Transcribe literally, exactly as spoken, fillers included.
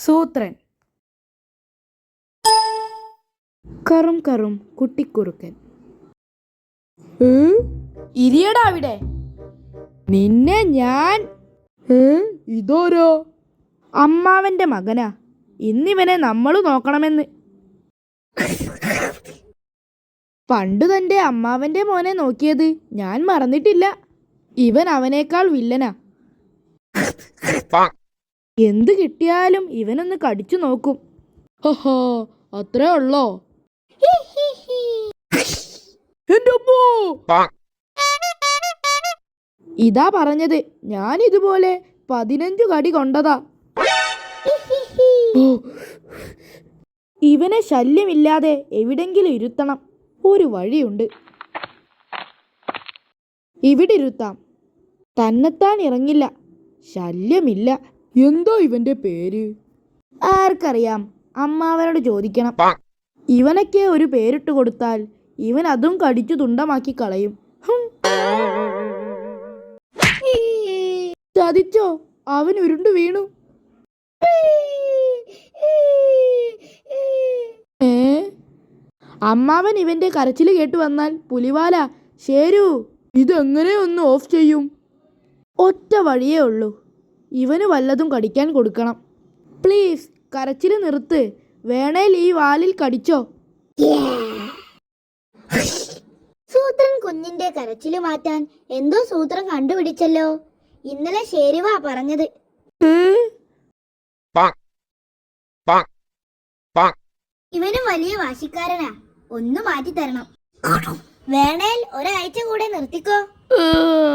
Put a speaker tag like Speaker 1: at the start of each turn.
Speaker 1: സൂത്രൻ. കറും കറും കുട്ടിക്കുറുക്കൻ. ഇരിയടാ അവിടെ. നിന്നെ ഞാൻ. ഇതോരോ? അമ്മാവന്റെ മകനാ. ഇന്നിവനെ നമ്മൾ നോക്കണമെന്ന്. പണ്ടു തന്റെ അമ്മാവന്റെ മോനെ നോക്കിയത് ഞാൻ മറന്നിട്ടില്ല. ഇവൻ അവനേക്കാൾ വില്ലനാ. എന്ത് കിട്ടിയാലും ഇവനൊന്ന് കടിച്ചു നോക്കും. ഹോ, അത്രേ ഉള്ളോ? ഇതാ പറഞ്ഞത്, ഞാൻ ഇതുപോലെ പതിനഞ്ചു കടി കൊണ്ടതാ. ഇവനെ ശല്യമില്ലാതെ എവിടെങ്കിലും ഇരുത്തണം. ഒരു വഴിയുണ്ട്. ഇവിടെ ഇരുത്താം. തന്നെത്താൻ ഇറങ്ങില്ല. ശല്യമില്ല. എന്തോ ഇവന്റെ പേര്? ആർക്കറിയാം, അമ്മാവനോട് ചോദിക്കണം. ഇവനൊക്കെ ഒരു പേരിട്ട് കൊടുത്താൽ ഇവൻ അതും കടിച്ചു തുണ്ടമാക്കി കളയും. ചതിച്ചോ? അവൻ ഉരുണ്ടു വീണു. ഏ അമ്മാവൻ ഇവന്റെ കരച്ചിൽ കേട്ടു വന്നാൽ പുലിവാല ശരു ഇതെങ്ങനെ ഒന്ന് ഓഫ് ചെയ്യും? ഒറ്റ വഴിയേ ഉള്ളൂ. ഇവന് വല്ലതും കടിക്കാൻ കൊടുക്കണം. പ്ലീസ് കരച്ചിൽ നിർത്ത്. വേണേൽ ഈ വാലിൽ കടിച്ചോ.
Speaker 2: സൂത്രൻ കുഞ്ഞിന്റെ കരച്ചില് മാറ്റാൻ എന്തോ സൂത്രം കണ്ടുപിടിച്ചല്ലോ. ഇന്നലെ ശേരുവാ പറഞ്ഞത്. ഇവനും വലിയ വാശിക്കാരനാ. ഒന്ന് മാറ്റി തരണം. വേണേൽ ഒരാഴ്ച കൂടെ നിർത്തിക്കോ.